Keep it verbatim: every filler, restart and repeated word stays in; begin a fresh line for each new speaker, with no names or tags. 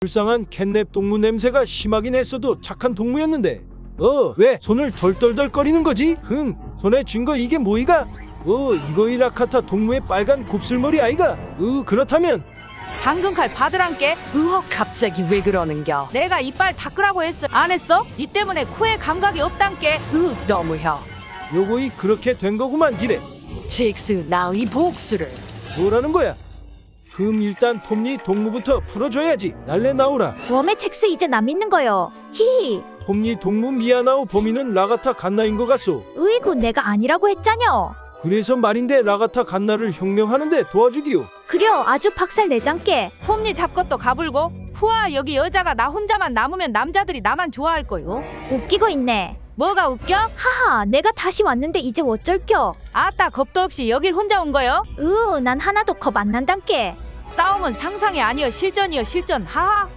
불쌍한 캣냅 동무 냄새가 심하긴 했어도 착한 동무였는데 어 왜 손을 덜덜덜거리는 거지? 흠 손에 쥔 거 이게 뭐이가? 어 이거 이라카타 동무의 빨간 곱슬머리 아이가? 으 그렇다면
당근 칼 받으란께. 으헉 갑자기 왜 그러는겨? 내가 이빨 닦으라고 했어 안 했어? 니 때문에 코에 감각이 없단께. 으 너무혀.
요거이 그렇게 된 거구만 기래.
잭스 나 이 복수를.
뭐라는 거야? 그럼 일단 톱니 동무부터 풀어줘야지. 날래 나오라.
웜의 첵스 이제 나 믿는 거요. 히히.
톱니 동무 미야나오 범인은 라가타 갓나인 것 같소.
으이구 내가 아니라고 했잖여.
그래서 말인데 라가타 갓나를 혁명하는데 도와주기요.
그려 아주 박살 내장께.
홈니 잡것도 가불고. 후아 여기 여자가 나 혼자만 남으면 남자들이 나만 좋아할 거요.
웃기고 있네.
뭐가 웃겨?
하하 내가 다시 왔는데 이제 어쩔겨.
아따 겁도 없이 여길 혼자 온 거요?
으 난 하나도 겁 안 난단께.
싸움은 상상이 아니여 실전이여 실전. 하하.